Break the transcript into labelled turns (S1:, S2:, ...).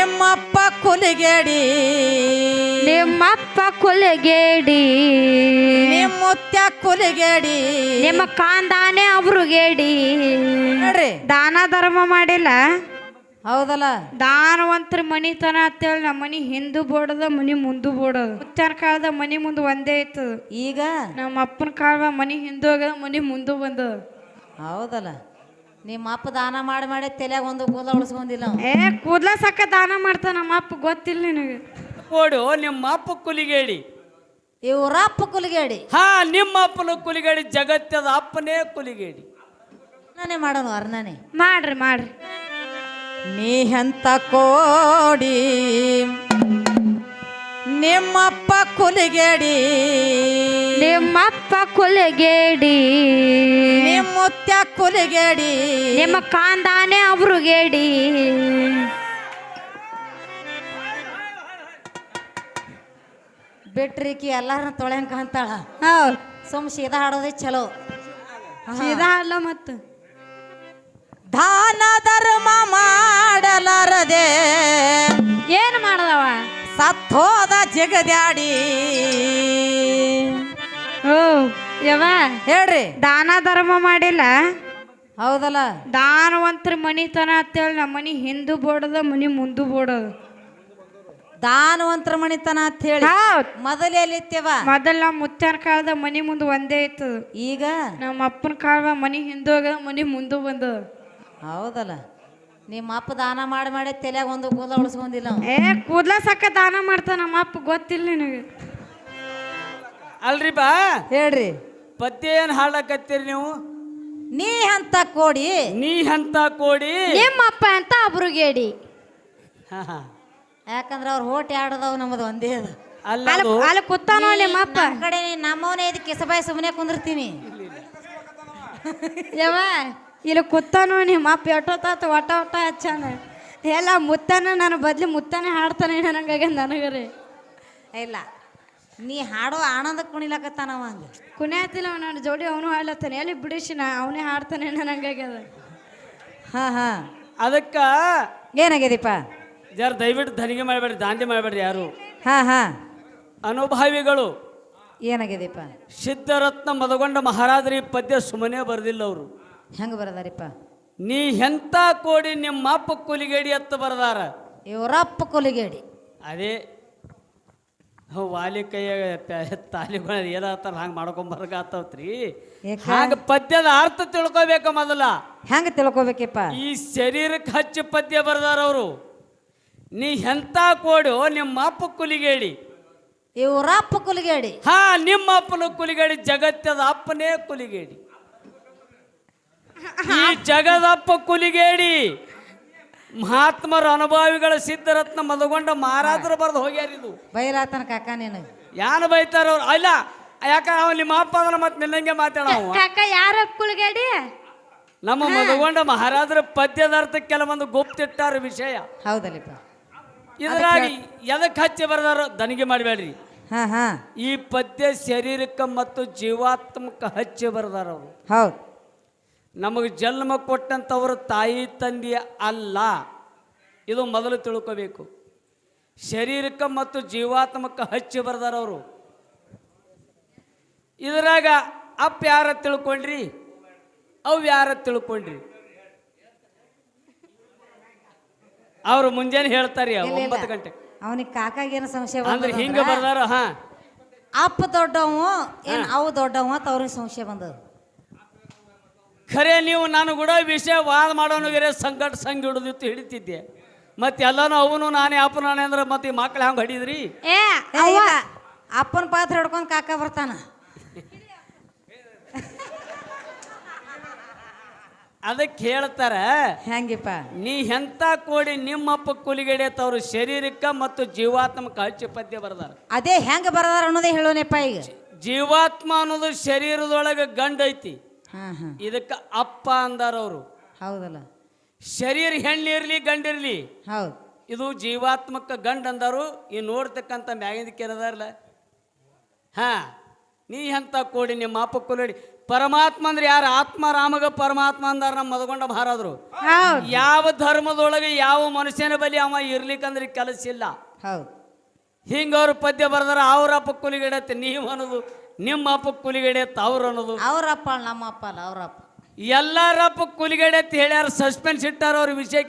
S1: ನಿಮ್ಮಪ್ಪ ಕುಲಿಗೇಡಿ
S2: ನಿಮ್ಮಪ್ಪ ಕುಲಗೇಡಿ
S1: ನಿಮ್ಮುತ್ಯ ಕುಲಿಗೇಡಿ
S2: ನಿಮ್ಮ ಕಾಂದಾನೆ ಅವ್ರುಗೇಡಿ
S1: ನೋಡ್ರಿ
S2: ದಾನ ಧರ್ಮ ಮಾಡಿಲ್ಲ
S1: ಹೌದಲ್ಲ
S2: ದಾನವಂತರ ಮನಿತನ ಅಂತೇಳಿ ನಮ್ಮ ಮನಿ ಹಿಂದೂ ಬೋಡದ ಮನಿ ಮುಂದು ಬೋಡದ ಮುತ್ತನ ಕಾಲದ ಮನಿ ಮುಂದೆ ಒಂದೇ ಇತ್ತು
S1: ಈಗ
S2: ನಮ್ಮ ಅಪ್ಪನ ಕಾಲದ ಮನಿ ಹಿಂದೂ ಹೋಗದ ಮನಿ ಮುಂದೆ ಬಂದ
S1: ಹೌದಲ್ಲ ನಿಮ್ಮ ಅಪ್ಪ ದಾನ ಮಾಡಿ ಮಾಡಿ ತಲೆಯಾಗ ಒಂದು ಕೂದಲ ಉಳಿಸ್ಕೊಂಡಿಲ್ಲ ಅವ.
S2: ಏ ಕೂದ್ಲ ಸಕ್ಕ ದಾನ ಮಾಡ್ತಾನ ನಮ್ಮ ಅಪ್ಪ ಗೊತ್ತಿಲ್ಲ ನಿನಗೆ
S3: ಕೊಡು ನಿಮ್ಮ ಅಪ್ಪ ಕುಲಿಗೇಡಿ
S1: ಇವ್ರಪ್ಪ ಕುಲಿಗೇಡಿ
S3: ಹಾ ನಿಮ್ಮ ಅಪ್ಪನ ಕುಲಿಗೇಡಿ ಜಗತ್ತದ ಅಪ್ಪನೇ ಕುಲಿಗೇಡಿ
S1: ನಾನೇ ಮಾಡೋಣ ಅರ್ನಾನೆ
S2: ಮಾಡ್ರಿ ಮಾಡ್ರಿ
S1: ನೀ ಎಂತ ಕೋಡಿ ನಿಮ್ಮಪ್ಪ ಕುಲಿಗೇಡಿ
S2: ನಿಮ್ಮಪ್ಪ ಕುಲಗೇಡಿ
S1: ನಿಮ್ಮುತ್ಯ ಕುಲಿಗೇಡಿ
S2: ನಿಮ್ಮ ಕಾಂದಾನೆ ಅವ್ರುಗೇಡಿ
S1: ಬಿಟ್ರಿಕಿ ಎಲ್ಲಾರನ್ನ ತೊಳೆಂಕ ಅಂತಾಳ
S2: ಹೌದು
S1: ಸುಮ್ ಸೀದಾ ಹಾಡೋದೇ ಚಲೋ
S2: ಸೀದಾ ಅಲ್ಲ ಮತ್ತು
S1: ದಾನ ಧರ್ಮ ಮಾಡಲಾರದೆ
S2: ಏನು ಮಾಡದವ
S1: ಸತ್ತೋದ ಜಗದ್ಯಾಡಿ
S2: ಓ ಯವ
S1: ಹೇಳ್ರಿ
S2: ದಾನ ಧರ್ಮ ಮಾಡಿಲ್ಲ
S1: ಹೌದಲ್ಲ
S2: ದಾನವಂತರ ಮನಿತನ ಅಂತೇಳಿ ನಮ್ಮ ಮನಿ ಹಿಂದೂ ಬೋಡದ ಮನಿ ಮುಂದು ಬೋಡದ
S1: ದಾನವಂತರ ಮಣಿತನ ಅಂತ ಹೇಳಿ
S2: ಹೌದ್
S1: ಮೊದಲು ಎಲ್ಲಿತ್ತೇವ
S2: ಮೊದಲ ನಮ್ಮ ಮುತ್ತನ ಕಾಲದ ಮನಿ ಮುಂದೆ ಒಂದೇ ಇತ್ತು
S1: ಈಗ
S2: ನಮ್ಮ ಅಪ್ಪನ ಕಾಲದ ಮನಿ ಹಿಂದೂ ಹೋಗದ ಮನಿ ಮುಂದೆ ಬಂದ
S1: ಹೌದಲ್ಲ ನಿಮ್ಮ ಅಪ್ಪ ದಾನ ಮಾಡಿ ಮಾಡಿ ತಲೆಯಾಗ ಒಂದು ಕೂದಲ ಉಳಿಸ್ಕೊಂಡಿಲ್ಲ ಅವ.
S2: ಏ ಕೂದ್ಲ ಸಕ್ಕ ದಾನ ಮಾಡ್ತಾನ ನಮ್ಮ ಅಪ್ಪ ಗೊತ್ತಿಲ್ಲ ನಿನಗೆ
S3: ಅಲ್ರಿ ಬಾ
S1: ಹೇಳ್ರಿ
S3: ಪದ್ಯ ಏನ್ ಹಾಡಕತ್ತೀರಿ ನೀವು
S1: ನೀ ಅಂತ ಕೋಡಿ
S3: ನೀ ಅಂತ ಕೋಡಿ
S2: ನಿಮ್ಮ ಅಪ್ಪ ಅಂತ ಅಬ್ರುಗೇಡಿ
S3: ಹಾ, ಹಾ.
S1: ಯಾಕಂದ್ರ ಅವ್ರ ಹೋಟ್ ಆಡದವ್ ನಮ್ಮದು ಒಂದೇ ಅದು
S3: ಅಲ್ಲ
S2: ಅಲ್ಲಿ
S3: ಅದು
S2: ಅಲ್ಲಿ ಕೂತಾನೋ ನಿಮ್ಮ ಅಪ್ಪ
S1: ನಮ್ ಕಡೆ ನಮ್ಮವನೇ ಇದು ಕಿಸಬಾಯಿ ಸುಮ್ಮನೆ ಕುಂದಿರ್ತೀನಿ
S2: ಯವ ಇಲ್ಲಿ ಕೂತಾನೋ ನಿಮ್ಮ ಅಪ್ಪ ಎಷ್ಟೊತ್ತಾತ ಒಟ್ಟ ಒಟ್ಟ ಹಚ್ಚಾನ ಎಲ್ಲ ಮುತ್ತನ ನನ್ನ ಬದ್ಲಿ ಮುತ್ತನೇ ಹಾಡ್ತಾನೆ ನನಗಾಗ ನನಗರೆ
S1: ಇಲ್ಲ ನೀ ಹಾಡೋ ಆನಂದ ಕುಣಿಲಕತ್ತಾನವ ಹಂಗ
S2: ಕುಣಿಯತಿಲ್ಲ ನನ್ನ ಜೋಡಿ ಅವನು ಹಾಡ್ಲತ್ತಾನೆ ಎಲ್ಲಿ ಬಿಡಿಸಿ ನಾ ಅವನೇ ಹಾಡ್ತಾನೆ ನನಗಾಗ್ಯದ
S1: ಹಾ ಹಾ
S3: ಅದಕ್ಕ
S1: ಏನಾಗ್ಯದೀಪ
S3: ಜರ ದಯವಿಟ್ಟು ಧನಿಗೆ ಮಾಡಬೇಡ್ರಿ ದಾಂಧೆ ಮಾಡಬೇಡ್ರಿ ಯಾರು
S1: ಹಾ ಹಾ
S3: ಅನುಭಾವಿಗಳು
S1: ಏನಾಗ್ಯದೀಪ
S3: ಸಿದ್ಧರತ್ನ ಮದಗೊಂಡ ಮಹಾರಾಜರಿ ಪದ್ಯ ಸುಮ್ಮನೆ ಬರೆದಿಲ್ಲ ಅವರು
S1: ಹೆಂಗ ಬರದಾರಿಪ್ಪ
S3: ನೀ ಎಂತ ಕೋಡಿ ನಿಮ್ಮ ಅಪ್ಪ ಕುಲಿಗೇಡಿ ಅತ್ತ ಬರದಾರ
S1: ಇವರಪ್ಪ ಕೊಲಿಗೇಡಿ
S3: ಅದೇ ವಾಲಿ ಕೈಯಾಗ ತಾಲಿಗಳ ಏನಾಗ್ತಾರ ಹಂಗೆ ಮಾಡ್ಕೊಂಬರ್ಗಾತವ್ರಿ
S1: ಯಾಕ?
S3: ಹಾಗ ಪದ್ಯದ ಅರ್ಥ ತಿಳ್ಕೊಬೇಕ ಮೊದಲ
S1: ಹೆಂಗ ತಿಳ್ಕೊಬೇಕಪ್ಪ
S3: ಈ ಶರೀರಕ್ಕೆ ಹಚ್ಚಿ ಪದ್ಯ ಬರದಾರ ಅವರು ನೀ ಎಂತ ಕೋಡು ನಿಮ್ಮ ಅಪ್ಪ ಕುಲಿಗೇಡಿ
S1: ಇವರಪ್ಪ ಕೊಲಿಗೇಡಿ
S3: ಹಾ ನಿಮ್ಮ ಅಪ್ಪನ ಕುಲಿಗೇಡಿ ಜಗತ್ತದ ಅಪ್ಪನೇ ಕುಲಿಗೇಡಿ ಈ ಜಗದಪ್ಪ ಕುಲಿಗೇಡಿ ಮಹಾತ್ಮರ ಅನುಭಾವಿಗಳ ಸಿದ್ಧರತ್ನ ಮದಗೊಂಡ ಮಹಾರಾಜರು ಬರೆದು ಹೋಗ್ಯಾರಿದು
S1: ಬೈಲಾತನ ಕಾಕ ನೀನು
S3: ಯಾನು ಬೈತಾರ ಅವ್ರು ಅಲ್ಲ ಯಾಕಂದ್ರೆ ಅವ್ನು ನಿಮ್ಮ ಅಪ್ಪ ಅದನ್ನ ಮತ್ತೆ ನಿನ್ನಂಗೆ ಮಾತಾಡ
S2: ಕಾಕ ಯಾರ ಕುಲಗೇಡಿ
S3: ನಮ್ಮ ಮದಗೊಂಡ ಮಹಾರಾಜರ ಪದ್ಯದ ಅರ್ಥ ಕೆಲವೊಂದು ಗುಪ್ತಿಟ್ಟಾರ ವಿಷಯ
S1: ಹೌದಲ್ಲಪ್ಪ
S3: ಇದರಾಗಿ ಎದಕ್ಕೆ ಹಚ್ಚಿ ಬರದಾರ ದನಿಗೆ ಮಾಡಬೇಡ್ರಿ
S1: ಹಾ ಹಾ
S3: ಈ ಪದ್ಯ ಶರೀರಕ್ಕೆ ಮತ್ತು ಜೀವಾತ್ಮಕ ಹಚ್ಚಿ ಬರದಾರ ಅವರು
S1: ಹೌದು
S3: ನಮಗೆ ಜನ್ಮ ಕೊಟ್ಟಂಥವರು ತಾಯಿ ತಂದೆ ಅಲ್ಲ ಇದು ಮೊದಲು ತಿಳ್ಕೋಬೇಕು ಶರೀರಕ್ಕೆ ಮತ್ತು ಜೀವಾತ್ಮಕ ಹಚ್ಚಿ ಬರ್ದಾರ ಅವರು ಇದರಾಗ ಅಪ್ಪ ಯಾರ ತಿಳ್ಕೊಂಡ್ರಿ ಅವು ಯಾರ ತಿಳ್ಕೊಂಡ್ರಿ ಅವರು ಮುಂಜಾನೆ ಹೇಳ್ತಾರಿ 9 ಗಂಟೆ
S1: ಅವನಿಗೆ ಕಾಕಾಗೇನು ಸಂಶಯ
S3: ಅಂದ್ರೆ ಹಿಂಗ
S1: ಬಂದದಂದ್ರ
S3: ಬರ್ದಾರ ಹಾ
S1: ಅಪ್ಪ ದೊಡ್ಡವ ಏನ್ ಅವು ದೊಡ್ಡವ ಅಂತ ಅವ್ರಿಗೆ ಸಂಶಯ ಬಂದದ
S3: ಖರೆ ನೀವು ನಾನು ಕೂಡ ವಿಷಯ ವಾದ ಮಾಡೋನಿಗೆ ಸಂಕಟ ಸಂಘ ಹಿಡಿದಿತ್ತು ಹಿಡಿತಿದ್ದೆ ಮತ್ತೆ ಎಲ್ಲಾನು ಅವನು ನಾನೇ ಅಪ್ಪ ನಾನೇ ಅಂದ್ರೆ ಮತ್ತೆ ಈ ಮಕ್ಳು ಹಂಗೆ ಹಿಡಿದ್ರಿ
S2: ಏ
S1: ಏ, ಇಲ್ಲ. ಅಪ್ಪನ ಪಾತ್ರ ಹಿಡ್ಕೊಂಡು ಕಾಕ ಬರ್ತಾನ
S3: ಅದಕ್ಕೆ ಹೇಳ್ತಾರ
S1: ಹೆಂಗಿಪ್ಪ
S3: ನೀ ಎಂತ ಕೋಡಿ ನಿಮ್ಮಪ್ಪ ಕುಲಿಗಡೆ ತವ್ರು ಶರೀರಕ್ಕ ಮತ್ತು ಜೀವಾತ್ಮಕ ಹಚ್ಚಿ ಪದ್ಯ ಬರ್ದಾರ
S1: ಅದೇ ಹೆಂಗ ಬರದಾರ ಅನ್ನೋದೇ ಹೇಳೋನಪ್ಪ ಈಗ
S3: ಜೀವಾತ್ಮ ಅನ್ನೋದು ಶರೀರದೊಳಗೆ ಗಂಡ ಐತಿ
S1: ಹಾ ಹಾ
S3: ಇದಕ್ಕೆ ಅಪ್ಪ ಅಂದಾರ ಅವರು
S1: ಹೌದಲ್ಲ
S3: ಶರೀರ ಹೆಣ್ಣಿರ್ಲಿ ಗಂಡಿರ್ಲಿ
S1: ಹೌದು
S3: ಇದು ಜೀವಾತ್ಮಕ ಗಂಡ ಅಂದಾರು ಈ ನೋಡ್ತಕ್ಕಂಥ ಮ್ಯಾಗಿಂದಕ್ಕೆ ಏನದಾರಲ್ಲ ಹಾ ನೀ ಎಂತ ಕೋಡಿ ನಿಮ್ಮ ಅಪ್ಪ ಕುಲಡಿ ಪರಮಾತ್ಮ ಅಂದ್ರೆ ಯಾರು? ಆತ್ಮ ರಾಮಗ ಪರಮಾತ್ಮ ಅಂದಾರ ನಮ್ಮ ಮದಗೊಂಡ ಮಹಾರಾದ್ರು.
S2: ಹೌದು
S3: ಯಾವ ಧರ್ಮದೊಳಗೆ ಯಾವ ಮನುಷ್ಯನ ಬಳಿ ಅವ ಇರ್ಲಿಕ್ಕಂದ್ರೆ ಕೆಲಸ ಇಲ್ಲ.
S1: ಹೌದು.
S3: ಹಿಂಗ ಅವ್ರ ಪದ್ಯ ಬರ್ದಾರ, ಅವ್ರ ಅಪ್ಪ ಕುಲಿಗಡೆತ್ತೆ ನೀವು ಅನ್ನೋದು, ನಿಮ್ಮ ಅಪ್ಪ ಕುಲಿಗಡೆತ್ತೆ ಅವ್ರು ಅನ್ನೋದು.
S1: ಅವ್ರಪ್ಪ ನಮ್ಮ ಅಪ್ಪ ಅಲ್ಲ, ಅವ್ರಪ್ಪ.
S3: ಎಲ್ಲಾರಪ್ಪ ಕುಲಿಗಡೆ ಅಂತ ಹೇಳ್ಯಾರ, ಸಸ್ಪೆನ್ಸ್ ಇಟ್ಟಾರ ಅವ್ರ ವಿಷಯ.